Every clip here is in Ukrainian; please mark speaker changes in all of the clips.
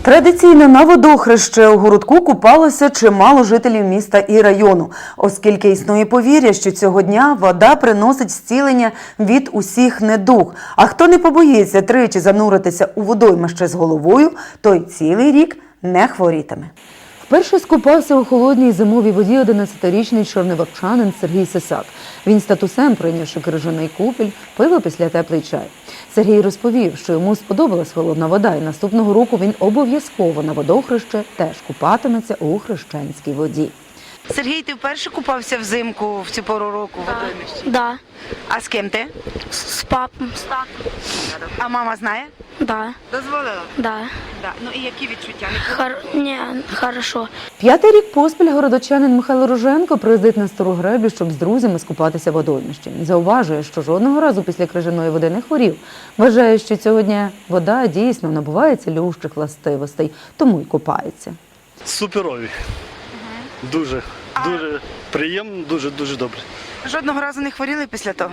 Speaker 1: Традиційно на водохреще у городку купалося чимало жителів міста і району, оскільки існує повір'я, що цього дня вода приносить зцілення від усіх недуг. А хто не побоїться тричі зануритися у водоймище з головою, той цілий рік не хворітиме. Вперше скупався у холодній зимовій воді 11-річний чорнивакчанин Сергій Сисак. Він статусем, прийнявши крижаний купіль, пив після теплий чай. Сергій розповів, що йому сподобалась холодна вода, і наступного року він обов'язково на водохреще теж купатиметься у хрещенській воді.
Speaker 2: Сергій, ти вперше купався взимку в цю пору року в водоймищі?
Speaker 3: Да,
Speaker 2: А з ким ти?
Speaker 3: с папом, с татом.
Speaker 2: А мама знає?
Speaker 3: Да,
Speaker 2: Дозволила?
Speaker 3: да.
Speaker 2: Да. Ну і які відчуття?
Speaker 3: Не, хорошо.
Speaker 1: 5-й рік поспіль городочанин Михайло Роженко приїздить на Стару Греблю, щоб з друзями скупатися в водоймищі. Зауважує, що жодного разу після крижаної води не хворів. Вважає, що цього дня вода дійсно набуває цілющих властивостей, тому й купається.
Speaker 4: Суперові. Дуже приємно, дуже добре.
Speaker 2: Жодного разу не хворіли після того?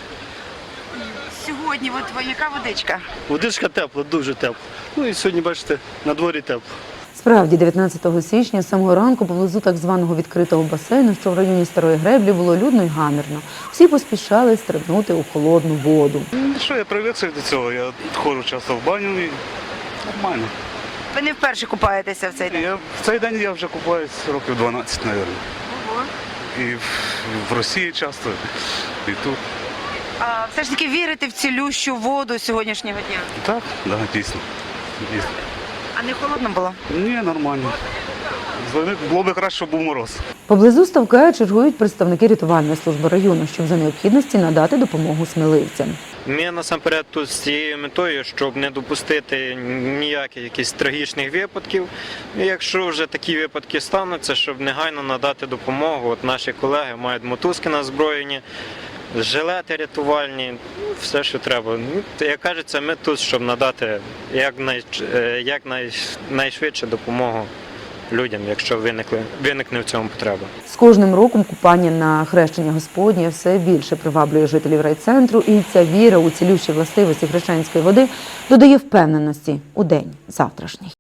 Speaker 2: Сьогодні от яка водичка?
Speaker 4: Водичка тепла, дуже тепла. Ну і сьогодні, бачите, на дворі тепло.
Speaker 1: Справді, 19 січня з самого ранку поблизу так званого відкритого басейну, що в районі Старої Греблі, було людно й гамірно. Всі поспішали стрибнути у холодну воду.
Speaker 4: Ну що, я привик до цього, я ходжу часто в баню і нормально.
Speaker 2: Ви не вперше купаєтеся в цей день?
Speaker 4: В цей день я вже купаюсь років 12, мабуть. І в Росії часто, і тут.
Speaker 2: А все ж таки вірите в цілющу воду сьогоднішнього дня?
Speaker 4: Так, да, дійсно.
Speaker 2: А не холодно було?
Speaker 4: Ні, нормально. Було б краще, щоб був мороз.
Speaker 1: Поблизу ставка чергують представники рятувальної служби району, щоб за необхідності надати допомогу сміливцям.
Speaker 5: Ми насамперед тут з цією метою, щоб не допустити ніяких якихось трагічних випадків. І якщо вже такі випадки стануться, щоб негайно надати допомогу. От наші колеги мають мотузки на озброєнні, жилети рятувальні, все, що треба. Як кажеться, ми тут, щоб надати якнайшвидше допомогу людям, якщо виникне в цьому потреба.
Speaker 1: З кожним роком купання на хрещення Господнє все більше приваблює жителів райцентру, і ця віра у цілющі властивості хрещенської води додає впевненості у день завтрашній.